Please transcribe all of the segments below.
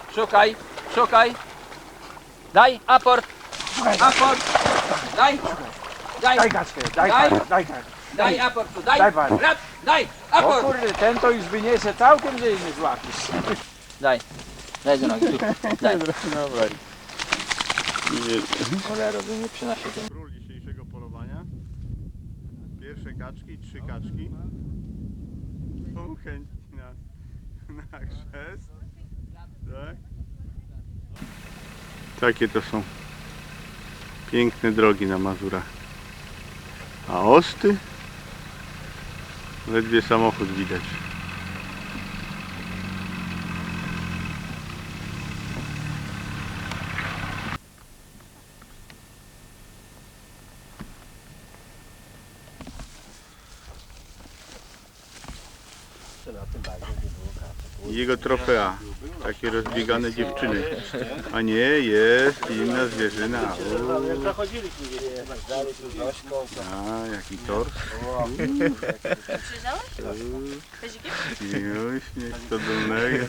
Szukaj, szukaj. Daj, aport. Aport. Daj. Daj. Daj kaczkę, daj Daj. pan, daj kaczkę. Daj aport tu, daj. Daj pan. Rad, daj, O aport. kurde, ten to już wyniesie całkiem, że jej nie złapiesz. Daj. Daj do nogi, tu. Daj. Dobra. Cholera, by nie przynosił. Król dzisiejszego polowania. Pierwsze kaczki, 3 kaczki. Są chętni na chrzest. Tak? Takie to są piękne drogi na Mazurach. A Osty? Ledwie samochód widać. Jego trofea, takie rozbiegane dziewczyny. A nie, jest inna zwierzyna. A, jaki tors. Miłość, nie to dolnego.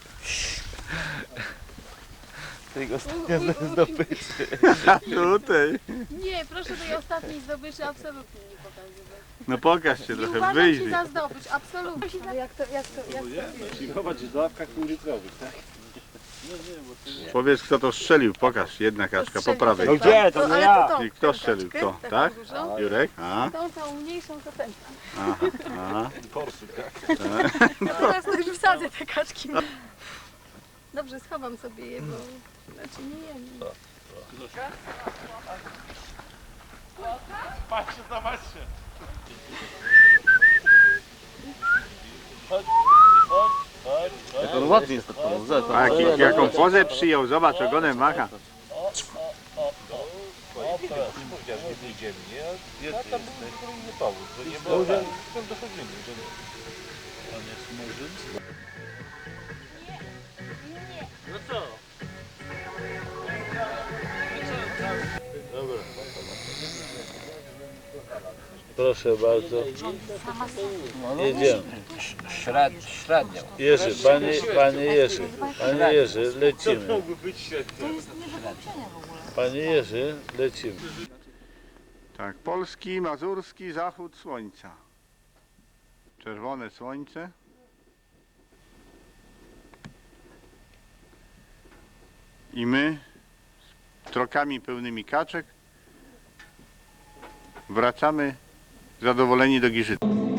Tego ostatnia zdobyczy. A tutaj. Nie, proszę tej ostatniej zdobyczy absolutnie nie pokazywać. No pokaż się Nie trochę, uważam wyjrzyj. się za zdobycz, absolutnie. Ale jak to Zobacz, w ławkach półlitrowych, tak? Powiedz kto to strzelił, pokaż. Jedna kaczka po prawej. No gdzie? To nie ale ja. tą I kto tę strzelił? kaczkę, Kto? taką Tak? dużą. Jurek? A? Tą mniejszą to ten. Aha, aha. Teraz to już wsadzę te kaczki. Dobrze, schowam sobie je, bo znaczy nie jem. Patrzcie, zobaczcie. On ładnie jest to pozę. A jaką pozę przyjął, zobacz, ogonem macha. Nie powiedziałem, że nie wyjdziemy, nie? Ja tam był inny powód, że nie było tak. Tam dochodzimy, że on jest murzyn. No co? Dobra. Proszę bardzo. Jedziemy. Średnio. Jerzy, panie Jerzy, lecimy. Panie Jerzy, lecimy. Tak, polski, mazurski zachód słońca. Czerwone słońce. I my z trokami pełnymi kaczek wracamy zadowoleni do Giżycy.